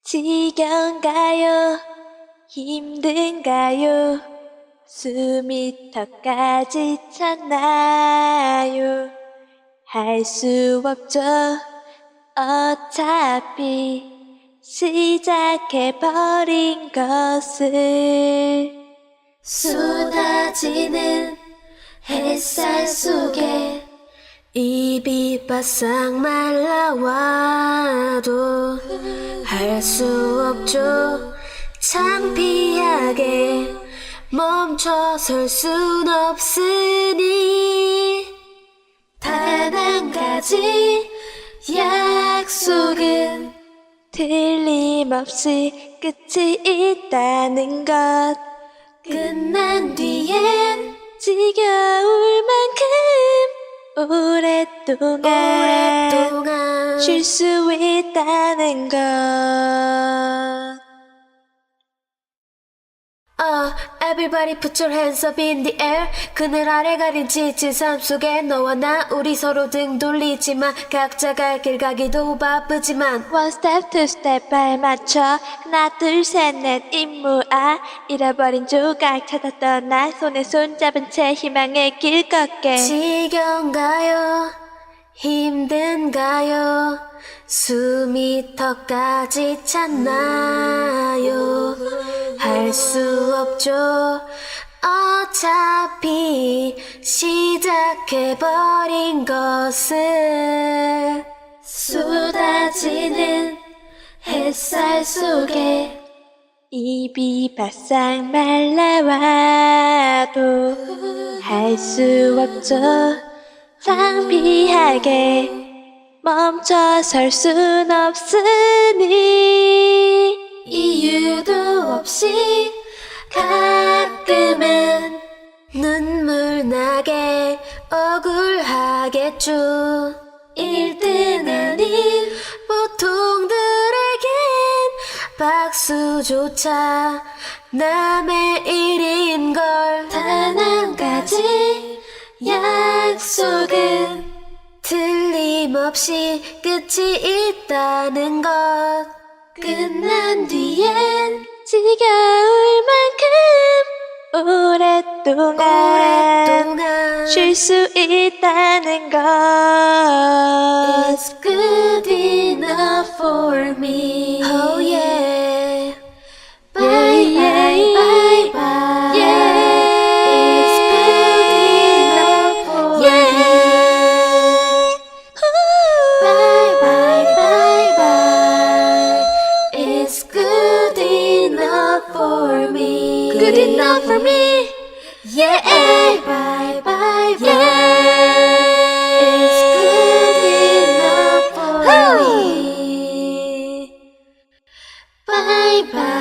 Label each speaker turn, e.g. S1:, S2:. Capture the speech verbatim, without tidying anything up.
S1: 지겨운가요? 힘든가요? 숨이 턱까지 찼나요? 할 수 없죠. 어차피 시작해버린 것을 쏟아지는 햇살 속에 입이 바싹 말라와도 할 수 없죠. 창피하게 멈춰설 순 없으니 단 한 가지 약속은 틀림없이 끝이 있다는 것. 끝난 뒤엔 지겨울 만큼 오랫동안, 오랫동안 쉴 수 있다는 것.
S2: Uh, everybody put your hands up in the air. 그늘 아래 가린 지친 삶 속에 너와 나 우리 서로 등 돌리지만 각자 갈 길 가기도 바쁘지만
S1: One step, two step 발 맞춰 하나 둘 셋 넷 임무아 잃어버린 조각 찾아 떠나 손에 손 잡은 채 희망의 길 걷게.
S2: 지겨운가요? 힘든가요? 숨이 턱까지 찼나요? 할 수 없죠. 어차피 시작해버린 것을
S1: 쏟아지는 햇살 속에 입이 바싹 말라와도 할 수 없죠. 창피하게 멈춰설 순 없으니 이유도 없이 가끔은
S2: 눈물 나게 억울하겠죠.
S1: 일 등 아닌
S2: 보통들에겐 박수조차 남의 일인걸.
S1: 단 한 가지 약속은
S2: 틀림없이 끝이 있다는 것.
S1: 끝난 뒤엔 지겨울 만큼 오랫동안,
S2: 오랫동안
S1: 쉴 수 있다는 것. It's good enough for me.
S2: Oh yeah.
S1: Bye bye bye bye. Yeah. It's good enough for me. Bye bye bye bye. It's good enough for me. Good enough for me.
S2: Yeah.
S1: Bye bye bye. Yeah. It's good enough for me. Bye bye.